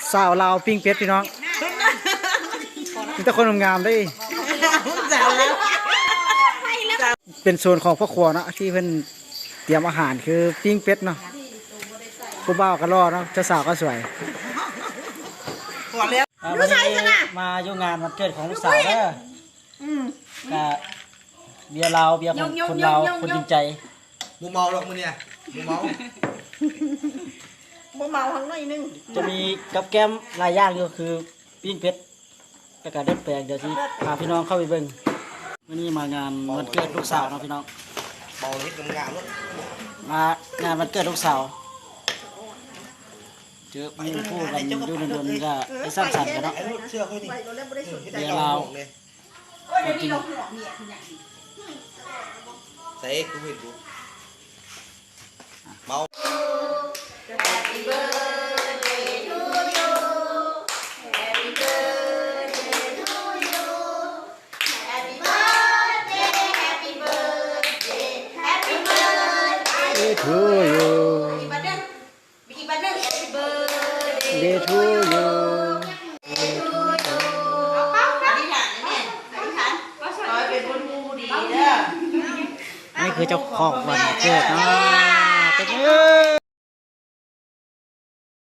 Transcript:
สาวลาวปิ้งเป็ดพี่น้องมีแต่คนงามๆได้เป็นโซนของพ่อครัวเนาะที่เพิ่นเตรียมอาหารคือปิ้งเป็ดเนาะผู้บ่าวก็รอเนาะเจ้าสาวก็สวยวันนี้มาอยู่งานวันเกิดของลูกสาวเด้อเบียร์ลาวเบียร์ของคนลาวคนจริงใจมูเมาหรอกมึงเนี่ยมูเมาทั้งหน่อยนึงจะมีกับแก้มหลายอย่างก็คือปิ้งเป็ดประกาศเด็ดแปลงเดี๋ยวที่พาพี่น้องเข้าไปเบิ่งวันนี้มางานวันเกิดลูกสาวเนาะพี่น้องเมานิดงามรถมางานวันเกิดลูกสาวเจอมีผู้กันอยู่ในดนก็ไปสร้างสรรค์กันเนาะเชื่อค่อยดิเดี๋ยวเราจริงใส่กูเห็นกูเมาทูยูเดทูยูนี่คือเจ้าของวันเกิดเนาะเป็น